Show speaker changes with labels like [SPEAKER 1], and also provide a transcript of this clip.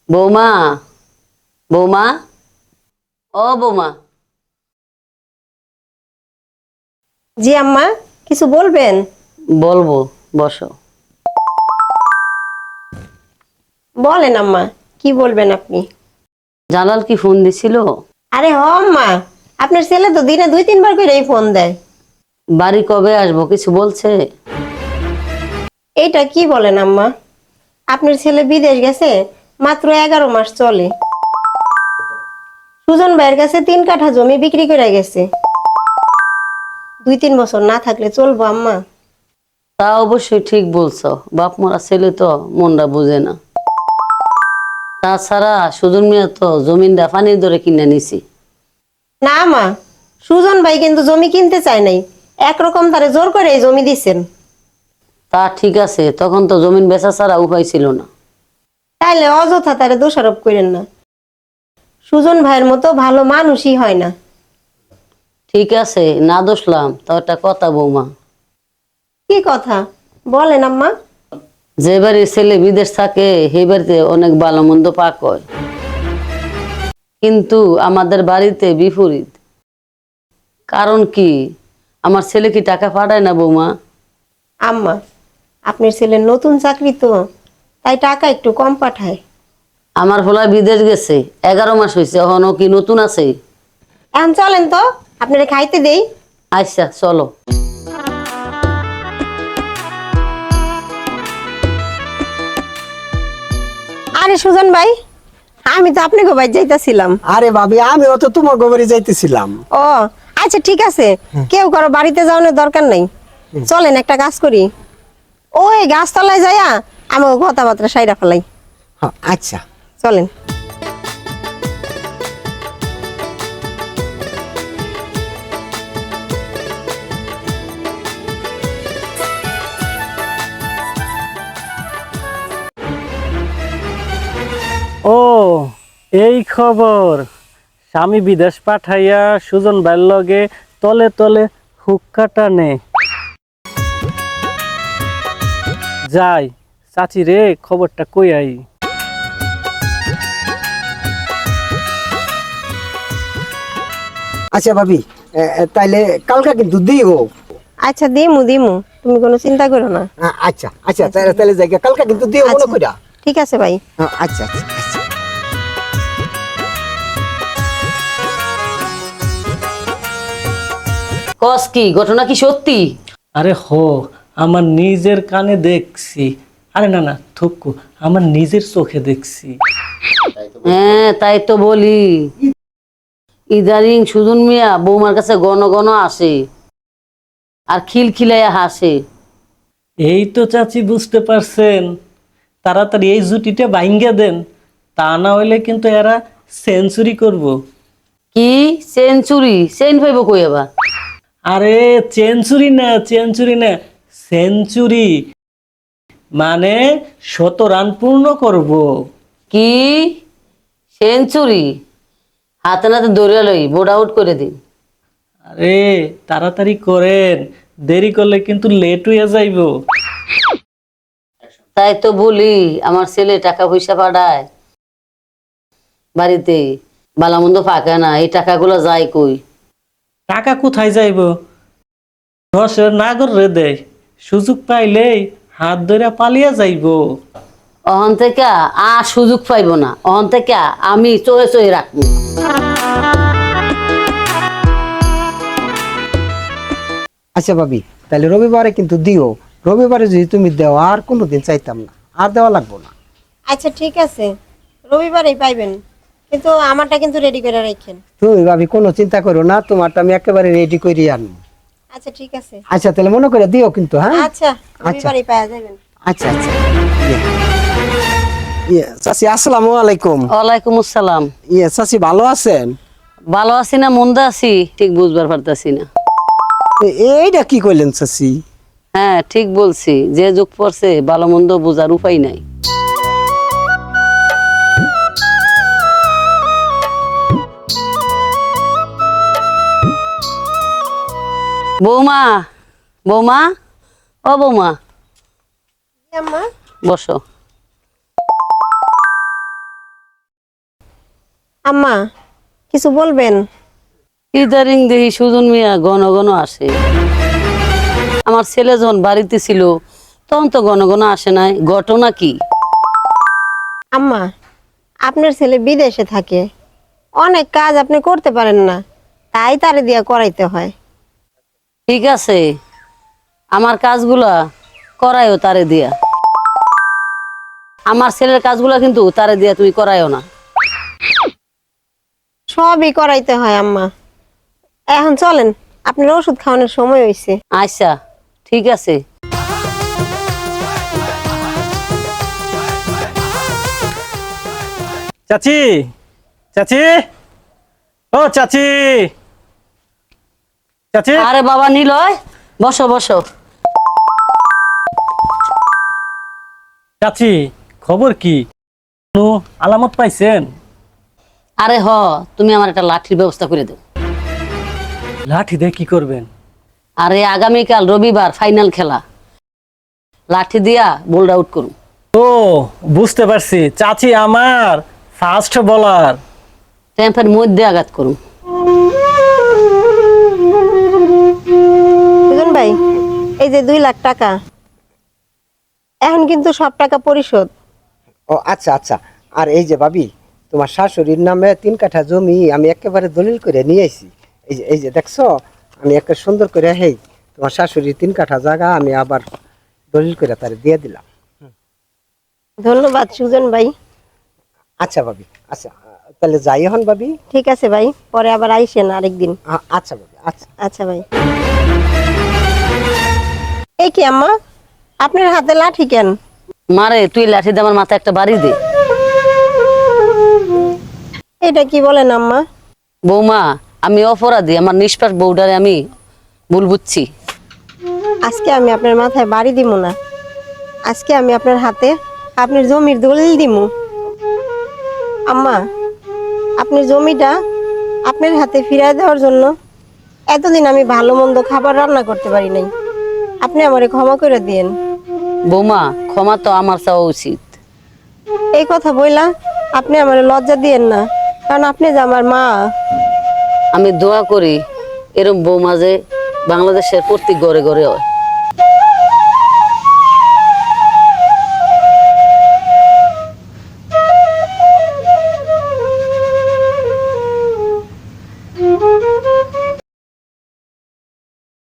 [SPEAKER 1] বৌমা, বৌমা, ও বৌমা।
[SPEAKER 2] জি আম্মা, কিছু বলবেন?
[SPEAKER 1] বলবো, বসো।
[SPEAKER 2] বলেন আম্মা, কি বলবেন আপনি?
[SPEAKER 1] জালাল কি ফোন দিছিল?
[SPEAKER 2] আরে হ আম্মা, আপনার ছেলে তো দিনে 2-3 বার করেই ফোন দেয়।
[SPEAKER 1] বাড়ি কবে আসবো কিছু বলছে?
[SPEAKER 2] এইটা কি বলেন আম্মা? আপনার ছেলে বিদেশ গেছে, মাত্র 11 মাস চলে। সুজন ভাইয়ের কাছে 3 কাঠা জমি বিক্রি করে গেছে। 2-3 বছর না থাকলে চলবো আম্মা?
[SPEAKER 1] তা অবশ্যই ঠিক বলছো, বাপ মরা ছেলে তো মনটা বুঝে না। তাছাড়া সুজন মিয়া তো জমিনটা পানির দরে কিনে নিছি।
[SPEAKER 2] না মা, সুজন ভাই কিন্তু জমি কিনতে চায় নাই, একরকম তারে জোর করে এই জমি দিচ্ছেন।
[SPEAKER 1] তা ঠিক আছে, তখন তো জমিন বেচা ছাড়া উপায় ছিল না।
[SPEAKER 2] তাইলে অযথা তারে দোষারোপ করেন না। সুজন ভাইয়ের মতো ভালো মানুষই হয় না।
[SPEAKER 1] ঠিক আছে, না দোষলাম, তো একটা কথা বৌমা।
[SPEAKER 2] কি কথা বলেন আম্মা?
[SPEAKER 1] যে বাড়ির ছেলে বিদেশ থাকে সেই বাড়িতে অনেক ভালো মন্দ পাক হয়, কিন্তু আমাদের বাড়িতে বিপরীত। কারণ কি? আমার ছেলে কি টাকা পাঠায় না বৌমা?
[SPEAKER 2] আম্মা, আপনার ছেলের নতুন চাকরি তো, তাই টাকা একটু কম পাঠায়।
[SPEAKER 1] আমার ফলা বিদেশ গেছে, 11 মাস হয়েছে, এখনো কি নতুন আছে?
[SPEAKER 2] এখন চলেন তো, আপনারা খাইতে দেই।
[SPEAKER 1] আচ্ছা চলো।
[SPEAKER 2] আরে সুজন ভাই, আমি তো আপনাকে ভাই যাইতাছিলাম।
[SPEAKER 3] আরে ভাবি, আমিও তো তোমার গোবরে যাইতেছিলাম।
[SPEAKER 2] ও আচ্ছা, ঠিক আছে, কেউ কারো বাড়িতে যাওয়ানোর দরকার নাই। চলেন একটা কাজ করি, ওই গাছতলায় যাইয়া আমাকে কথাবার্তা সাইরা ফেলাই।
[SPEAKER 3] হ্যাঁ, আচ্ছা।
[SPEAKER 2] চলেন।
[SPEAKER 4] ও, এই খবর। স্বামী বিদেশ পাঠাইয়া সুজন ভাইয়ের লগে তলে তলে হুক্কা টানে। যাই, চাচি রে খবরটা কই আই।
[SPEAKER 3] আচ্ছা ভাবি, তাইলে কালকা কিন্তু দিও।
[SPEAKER 2] আচ্ছা দিমু দিমু, তুমি কোনো চিন্তা করো না।
[SPEAKER 3] আচ্ছা আচ্ছা, তাইলে তাইলে যাই কালকা কিন্তু দিও মনে
[SPEAKER 2] আচ্ছা,
[SPEAKER 3] কইরা।
[SPEAKER 2] ঠিক আছে ভাই।
[SPEAKER 3] আচ্ছা আচ্ছা আচ্ছা।
[SPEAKER 1] কস কি ঘটনা কি সত্যি?
[SPEAKER 4] আরে হো, আমার নিজের কানে দেখছি। আরে না না থুকু, আমার নিজের চোখে দেখছি।
[SPEAKER 1] হ্যাঁ তাই তো বলি, ইদারিং সুজন মিয়া বৌমার কাছে ঘন ঘন আসে আর খিলখিলাইয়া হাসে।
[SPEAKER 4] এই তো চাচি বুঝতে পারছেন, তাড়াতাড়ি এই জুটিটা ভাঙ্গা দেন, তা না হইলে কিন্তু এরা সেঞ্চুরি করব।
[SPEAKER 1] কি সেঞ্চুরি? সেন পাইব কই আবার?
[SPEAKER 4] আরে সেঞ্চুরি না, সেঞ্চুরি না, সেঞ্চুরি মানে 100 রান পূর্ণ করব।
[SPEAKER 1] কি সেঞ্চুরি? হাতে নাতে দৌড়ে লই, বোর্ড আউট করে দিন।
[SPEAKER 4] আরে তাড়াতাড়ি করেন, দেরি করলে কিন্তু লেট হয়ে যাইব।
[SPEAKER 1] তাই তো বলি, আমার ছেলে টাকা পয়সা পাঠায় বাড়িতে, বালামন্দ পাকে না, এই টাকাগুলো যায় কই?
[SPEAKER 4] টাকা কোথায় যাইব? দশের নাগর রে দেয়, সুযোগ পাইলেই হাত ধরে পালিয়ে যাইব।
[SPEAKER 1] অহন থেকে আর সুযোগ পাইব না, অহন থেকে আমি চয়ে চয়ে রাখবো।
[SPEAKER 3] আচ্ছা ভাবি, তাহলে রবিবারে কিন্তু দিও। রবিবারে যদি তুমি দেও আর কোনোদিন চাইতাম না, আর দেওয়া লাগবো না।
[SPEAKER 2] আচ্ছা ঠিক আছে, রবিবারেই পাইবেন, কিন্তু আমারটা কিন্তু রেডি করে রাখেন।
[SPEAKER 3] তুমি ভাবি কোনো চিন্তা করো না, তোমারটা আমি একেবারে রেডি করে আনবো।
[SPEAKER 2] আচ্ছা ঠিক আছে।
[SPEAKER 3] আচ্ছা তাহলে মনে করে দিও কিন্তু। হ্যাঁ
[SPEAKER 2] আচ্ছা,
[SPEAKER 3] আচ্ছা
[SPEAKER 2] রবিবারেই পাওয়া যাবেন।
[SPEAKER 3] আচ্ছা আচ্ছা। চাচি আসসালামু আলাইকুম।
[SPEAKER 1] ওয়ালাইকুম আসসালাম।
[SPEAKER 3] চাচি ভালো আছেন?
[SPEAKER 1] ভালো আছি না মন্দ আছি ঠিক বুঝবার পারতাছি না।
[SPEAKER 3] এইটা কি কইলেন চাচি?
[SPEAKER 1] হ্যাঁ ঠিক বলছি, যে যুগ পড়ছে ভালো মন্দ বোঝার উপায় নাই। বৌমা, বৌমা, ও বৌমা,
[SPEAKER 2] আম্মা,
[SPEAKER 1] বসো।
[SPEAKER 2] আম্মা কিছু বলবেন?
[SPEAKER 1] ইদারিং দেখি সুজন মিয়া ঘন ঘন আসে। আমার ছেলে যখন বাড়িতে ছিল তখন তো ঘন ঘন আসে নাই, ঘটনা কি?
[SPEAKER 2] আম্মা আপনার ছেলে বিদেশে থাকে, অনেক কাজ আপনি করতে পারেন না, তাই তারে দিয়া করাইতে হয়।
[SPEAKER 1] ঠিক আছে, আমার কাজগুলা করায়ও তারে দিয়া। আমার ছেলের কাজগুলা কিন্তু তারে দিয়া তুমি করায়ও না।
[SPEAKER 2] সবই করাইতে হয় আম্মা। এখন চলেন, আপনার ওষুধ খাওয়ানোর সময় হয়েছে।
[SPEAKER 1] আচ্ছা ঠিক আছে।
[SPEAKER 4] চাচি, চাচি, ও চাচি, চাচি।
[SPEAKER 1] আরে বাবা নিলয়, বসো বসো।
[SPEAKER 4] চাচি খবর কি? কোনো আলামত পাইছেন?
[SPEAKER 1] আরে তুমি আমার একটা লাঠির ব্যবস্থা করে দাও।
[SPEAKER 4] লাঠি দিয়ে কি করবেন?
[SPEAKER 1] আরে আগামীকাল রবিবার ফাইনাল খেলা, লাঠি দিয়া বোল্ড আউট করুন।
[SPEAKER 4] ও বুঝতে পারছি, চাচি আমার ফাস্ট বলার।
[SPEAKER 1] টেম্পের মধ্যে আঘাত করুন।
[SPEAKER 2] সুজন ভাই, এই যে 2 লাখ টাকা, এখন কিন্তু সব টাকা পরিশোধ।
[SPEAKER 3] ও আচ্ছা আচ্ছা। আর এই যে ভাবি, তোমার শাশুড়ির নামে 3 কাঠা জমি আমি একেবারে দলিল করে নিয়ে আইছি। এই যে দেখছো, আমি একটা সুন্দর করে হেই তোমার শাশুড়ির 3 কাঠা জায়গা আমি আবার দলিল করে তারে দিয়ে দিলাম।
[SPEAKER 2] ধন্যবাদ সুজন ভাই।
[SPEAKER 3] আচ্ছা ভাবি, আচ্ছা তাহলে যাই এখন ভাবি।
[SPEAKER 2] ঠিক আছে ভাই, পরে আবার আইসেন আরেকদিন।
[SPEAKER 3] আচ্ছা ভাবি, আচ্ছা।
[SPEAKER 2] আচ্ছা ভাই। এই কি আম্মা, আপনার হাতে লাঠি কেন?
[SPEAKER 1] মারে তুই লাঠি দিয়ে আমার মাথায় একটা বাড়ি দে।
[SPEAKER 2] এটা কি বলেন আম্মা?
[SPEAKER 1] বৌমা, আমি অপরাধী, আমার নিষ্পাপ বউডারে আমি ভুল বুঝছি।
[SPEAKER 2] আজকে আমি আপনার মাথায় বাড়ি দিব না, আজকে আমি আপনার হাতে আপনার জমির দলিল দিব। আম্মা, আপনার জমিটা আপনার হাতে ফিরিয়ে দেওয়ার জন্য এতদিন আমি ভালো মন্দ খাবার রান্না করতে পারি নাই, আপনি আমারে ক্ষমা করে দিয়েন।
[SPEAKER 1] বৌমা, ক্ষমা তো আমার চাওয়া উচিত।
[SPEAKER 2] এই কথা বইলা আপনি আমারে লজ্জা দিয়েন না, কারণ আপনি যে আমার মা।
[SPEAKER 1] আমি দোয়া করি এরম বৌমা যে বাংলাদেশের প্রত্যেক ঘরে ঘরে হয়।